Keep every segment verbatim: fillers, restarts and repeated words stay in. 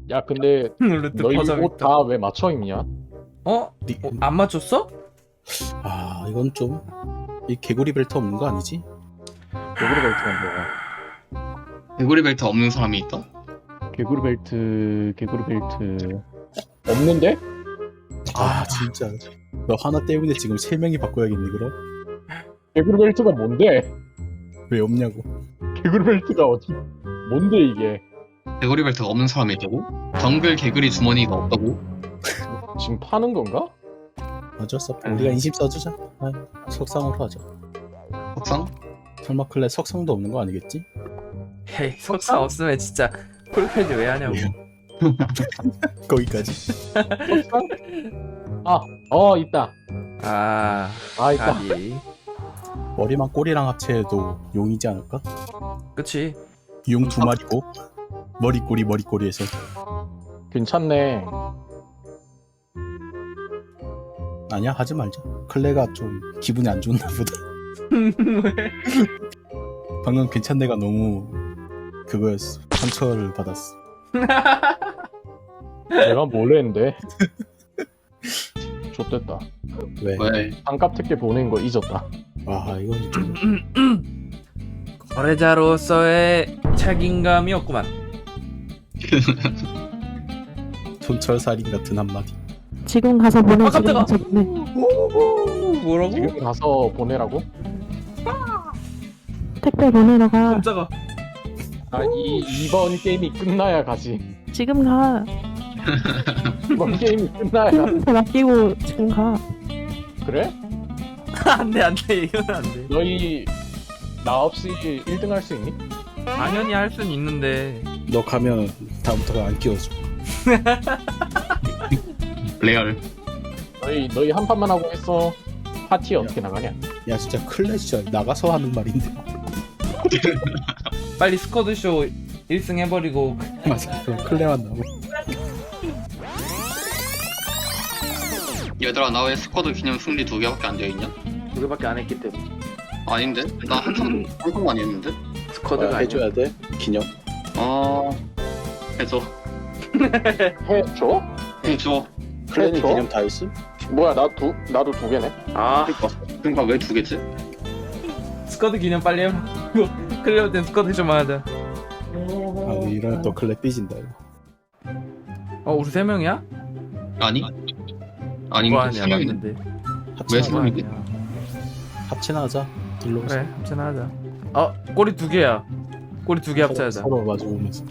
야 근데 루트 너희 퍼져 옷 있다. 다 왜 맞춰 입냐? 어? 니- 어? 안 맞췄어? 아 이건 좀 이 개구리 벨트 없는 거 아니지? 개구리 벨트가 뭐야? 개구리 벨트 없는 사람이 있다? 개구리 벨트 개구리 벨트 없는데? 아 진짜 너 하나 때문에 지금 세 명이 바꿔야겠니 그럼? 개구리 벨트가 뭔데? 왜 없냐고. 개구리 벨트가 어디? 뭔데 이게? 개구리 벨트가 없는 사람이 있다고? 정글 개구리 주머니가 없다고? 지금 파는 건가? 어쩔 수 없다. 우리가 인심 써주자. 아, 석상으로 하자. 석상? 설마 클레 석상도 없는 거 아니겠지? 헤이 석사 없으면 진짜 폴패드 왜 하냐고. 거기까지. 석상? 아, 어 있다. 아 아 있다. 가비. 머리만 꼬리랑 합체해도 용이지 않을까? 그치. 용 두 마리고 머리 꼬리 머리 꼬리에서. 괜찮네. 아니야 하지 말자. 클레가 좀 기분이 안 좋나 보다. 왜? 방금 괜찮네가 너무 그거였어. 상처를 받았어. 내가 뭘 했는데? 좆됐다. 왜? 왜? 반값 특혜 보낸 거 잊었다. 아 이건 좀 거래자로서의 책임감이 없구만. 손철살인 같은 한마디. 지금 가서 보내. 아, 지금 깜짝아. 가서 보내. 오, 뭐라고? 지금 가서 보내라고? 택배 보내러 가. 깜짝아. 아, 이 이번 게임이 끝나야 가지. 지금 가. 이번 게임이 끝나야 가. 팀한테 맡기고 지금 가. 그래? 안돼 안돼 이건 안돼. 너희 나 없이 일 등 할 수 있니? 당연히 할 순 있는데. 너 가면 다음부터 안 끼워줘. 레알. 너희 너희 한 판만 하고 했어. 파티 어떻게 나가냐? 야 진짜 클레 진짜 나가서 하는 말인데. 빨리 스쿼드쇼 일 승 해버리고. 맞아. 그럼 클레만 나오고. 얘들아 나 왜 스쿼드 기념 승리 두 개밖에 안 되어 있냐? 두 개밖에 안 했기 때문에. 아닌데? 나 한참 한참 많이 했는데? 스쿼드가 해줘야 돼 기념. 아 해줘 해줘? 해줘. 클레는 해줘? 기념 다 했음? 뭐야 나 두 나도 두 개네. 아 그러니까 그러니까 왜 두 개지? 스쿼드 기념 빨리 해봐. 클레어 땐 스쿼드 좀 하자. 아 이러면 또 클레 삐진다 이거. 어 우리 세 명이야? 아니? 아닌 뭐 거 아니야 세 명인데? 맞는데. 합체나 왜 하자. 세 명이지? 아니야. 합체나 하자. 일로 그래 합체나 하자. 어 꼬리 두 개야. 꼬리 두 개 합체하자. 서로 마주보면서.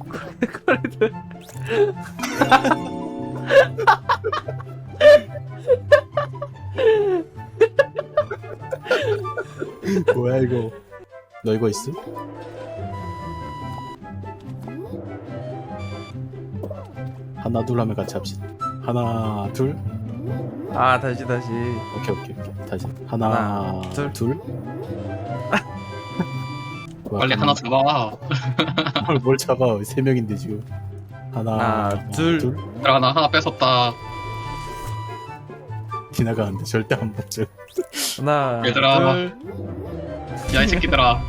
뭐야 이거? 너 이거 있음? 하나 둘 하면 같이 합시다. 하나 둘. 아 다시 다시. 오케이 오케이 오케이. 다시 하나, 하나, 둘. 둘. 뭐야, 빨리 하나 잡아. 뭘, 뭘 잡아? 세 명인데 지금. 하나, 하나, 둘. 얘들아 나 하나 뺏었다. 지나가는데 절대 안 먹죠. 하나 얘들아. 둘. 야 이 새끼들아.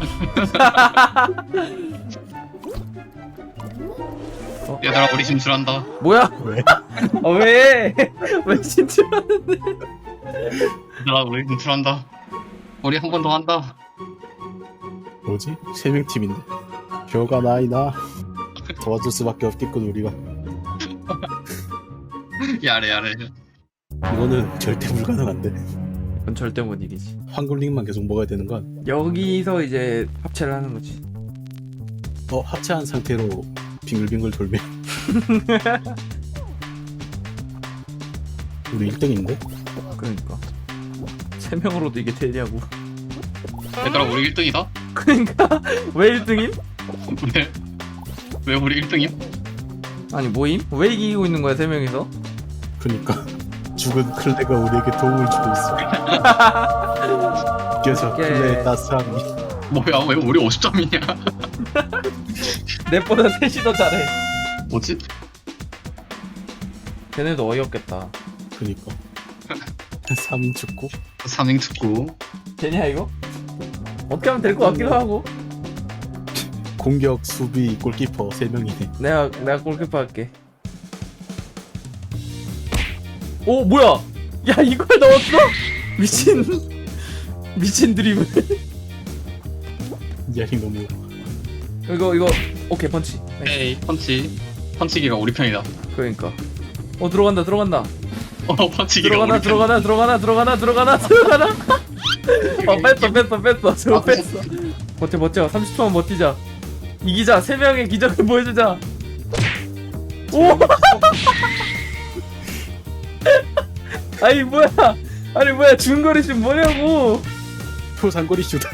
어? 얘들아 우리 진출한다. 뭐야? 왜? 어 왜? 왜 진출하는데? 얘들아 우리 진출한다. 우리 한 번 더 한다. 뭐지? 세 명 팀인데. 벼가 나이나 도와줄 수밖에 없겠군 우리가. 야래 야래. 이거는 절대 불가능한데. 그건 절대 못 이기지. 황금링만 계속 먹어야 되는 건. 여기서 이제 합체를 하는 거지. 어 합체한 상태로 빙글빙글 돌면. 우리 일 등인데? 그러니까 세 명으로도 이게 되냐고. 얘들아 우리 일 등이다. 그러니까 왜 일 등임? 왜? 왜 우리 일 등임? 아니 뭐임? 왜 이기고 있는 거야 세 명이서? 그니까 죽은 클레가 우리에게 도움을 주고 있어. 그래서 오케이. 클레의 따스함이. 뭐야 왜 우리 오십 점이냐? 넷보다 셋이 더 잘해. 뭐지? 걔네도 어이없겠다. 그니까 삼 인 축구. 삼 인 축구. 되냐 이거? 어떻게 하면 될 것 같기도 하고. 공격, 수비, 골키퍼 세 명이네. 내가 내가 골키퍼 할게. 오 뭐야? 야 이걸 넣었어? 미친 미친 드리블. 이야기 너무 이거 이거 오케이 펀치. 에이 펀치 펀치기가 우리 편이다. 그러니까. 어 들어간다 들어간다 어 펀치기가 들어가나 우리 편. 들어가나 들어가나 들어가나 들어가나 들어가나. 어 뺐어 뺐어 뺐어 저거 아, 뺐어. 버텨 버텨 삼십 초만 버티자. 이기자 세 명의 기적을 보여주자. 오. 아니 뭐야? 아니 뭐야 중거리 슛 뭐냐고? 표상거리 슛.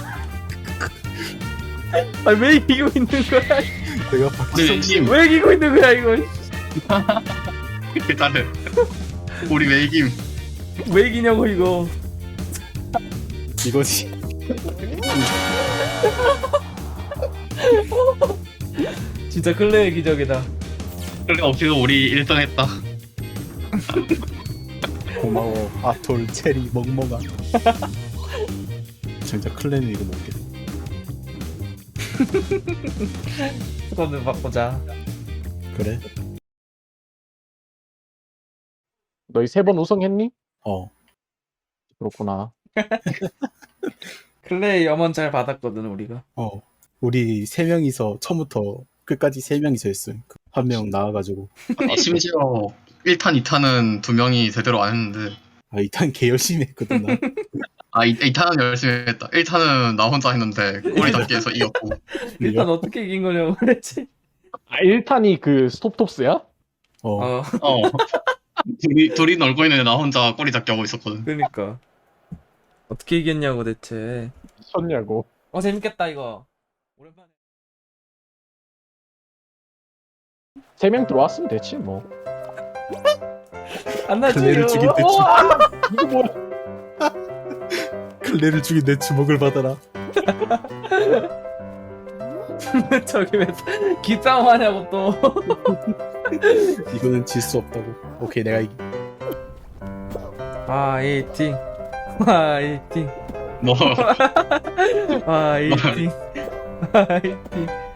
아니 왜 이기고 있는 거야? 내가 우리 박지성 외김. 왜 이기고 있는 거야 이거? 일단은 우리 외김. 왜 이기냐고 이거? 이거지. 진짜 클레의 기적이다. 그래 없이도 우리 일 등 했다. 고마워 아톨 체리 멍멍아. 진짜 클랜은 이거 먹겠다. 스쿼드 바꾸자. 그래? 너희 세 번 우승했니? 어. 그렇구나. 클레이 염원 잘 받았거든 우리가. 어. 우리 세 명이서 처음부터 끝까지 세 명이서 했음. 한 명 나와가지고. 아니, 심지어 일 탄, 이 탄은 두 명이 제대로 안 했는데. 아, 이탄 개 열심히 했거든 나. 아, 이, 이 탄은 열심히 했다. 일 탄은 나 혼자 했는데 꼬리 잡기 해서 이겼고. 일단 어떻게 이긴 거냐고 그랬지. 아 일 탄이 그 스톱톱스야? 어. 어 어. 둘이, 둘이 놀고 있는데 나 혼자 꼬리 잡기 하고 있었거든. 그러니까 어떻게 이겼냐고 대체. 미쳤냐고. 어 재밌겠다 이거. 오랜만에. 세 명 들어왔으면 됐지 뭐. 안 나지. 클레를 죽인 내 주. 이거 뭐야? 클레를 죽인 내 주먹을 받아라. 저기 왜 기싸움 하냐고 또. 이거는 질 수 없다고. 오케이 내가 이기. 화이팅 화이팅 뭐, 화이팅 화이팅